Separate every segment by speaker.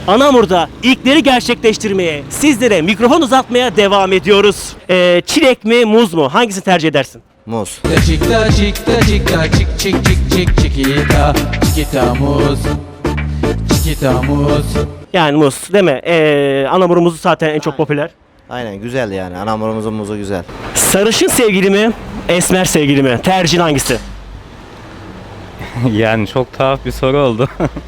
Speaker 1: Anamur'da ilkleri gerçekleştirmeye, sizlere mikrofon uzatmaya devam ediyoruz. Çilek mi, muz mu? Hangisini tercih edersin?
Speaker 2: Muz.
Speaker 3: Chiquita, chiquita, chiquita, chic, chic, chic, chic, chiquita, chiquita muz, chiquita muz.
Speaker 1: Yani muz değil mi? Anamur muzu zaten en çok popüler.
Speaker 2: Aynen güzel yani. Anamurumuzun muzu güzel.
Speaker 1: Sarışın sevgili mi, esmer sevgili mi? Tercihin hangisi?
Speaker 4: Yani çok tuhaf bir soru oldu.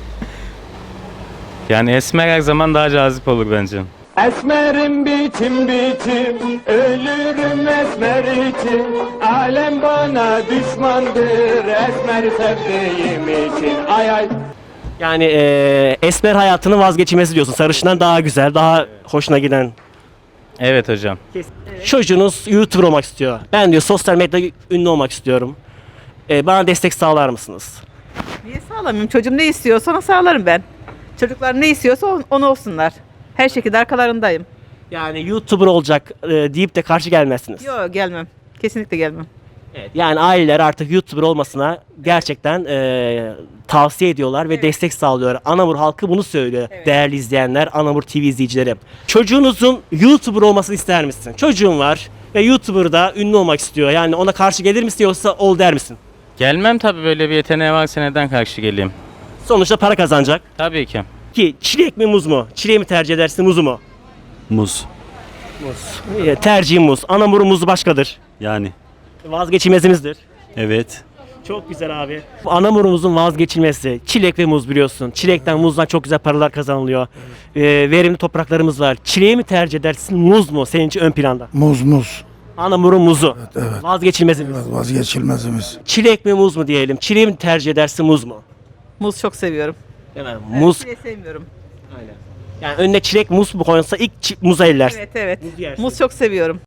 Speaker 4: Yani esmer her zaman daha cazip olur bence.
Speaker 5: Esmerim biçim biçim, ölürüm esmer için. Alem bana düşmandır, esmer sevdiğim için. Ay ay.
Speaker 1: Yani esmer hayatının vazgeçilmezi diyorsun. Sarışından daha güzel, daha hoşuna giden.
Speaker 4: Evet hocam.
Speaker 1: Çocuğunuz YouTuber olmak istiyor. Ben diyor sosyal medyada ünlü olmak istiyorum. Bana destek sağlar mısınız?
Speaker 6: Niye sağlamayayım? Çocuğum ne istiyorsa onu sağlarım ben. Çocuklar ne istiyorsa onu olsunlar. Her şekilde arkalarındayım.
Speaker 1: Yani YouTuber olacak deyip de karşı gelmezsiniz.
Speaker 6: Yok gelmem. Kesinlikle gelmem.
Speaker 1: Evet, yani aileler artık YouTuber olmasına gerçekten tavsiye ediyorlar ve destek sağlıyorlar. Anamur halkı bunu söylüyor. Değerli izleyenler, Anamur TV izleyicileri. Çocuğunuzun YouTuber olmasını ister misin? Çocuğun var ve YouTuber'da ünlü olmak istiyor. Yani ona karşı gelir misin yoksa ol der misin?
Speaker 4: Gelmem tabii, böyle bir yeteneği varsa neden karşı geleyim?
Speaker 1: Sonuçta para kazanacak.
Speaker 4: Tabii ki.
Speaker 1: Ki çilek mi muz mu? Çileği mi tercih edersin muzu mu?
Speaker 7: Muz.
Speaker 1: Tercihim muz. Anamur'un muzu başkadır.
Speaker 7: Yani.
Speaker 1: Vazgeçilmezimizdir.
Speaker 7: Evet.
Speaker 1: Çok güzel abi. Anamurumuzun vazgeçilmezi çilek ve muz biliyorsun. Çilekten muzdan çok güzel paralar kazanılıyor. Verimli topraklarımız var. Çileği mi tercih edersin muz mu senin için ön planda?
Speaker 8: Muz.
Speaker 1: Anamurun muzu.
Speaker 8: Evet.
Speaker 1: Vazgeçilmezimiz.
Speaker 8: Evet, vazgeçilmezimiz.
Speaker 1: Çilek mi muz mu diyelim. Çileği mi tercih edersin muz mu?
Speaker 6: Muz çok seviyorum.
Speaker 1: Değil mi? Muz.
Speaker 6: Hiçbir şey sevmiyorum.
Speaker 1: Aynen. Yani önüne çilek muz mu koyulsa ilk muza ellersin.
Speaker 6: Evet evet.
Speaker 1: Muz yersin.
Speaker 6: Muz çok seviyorum.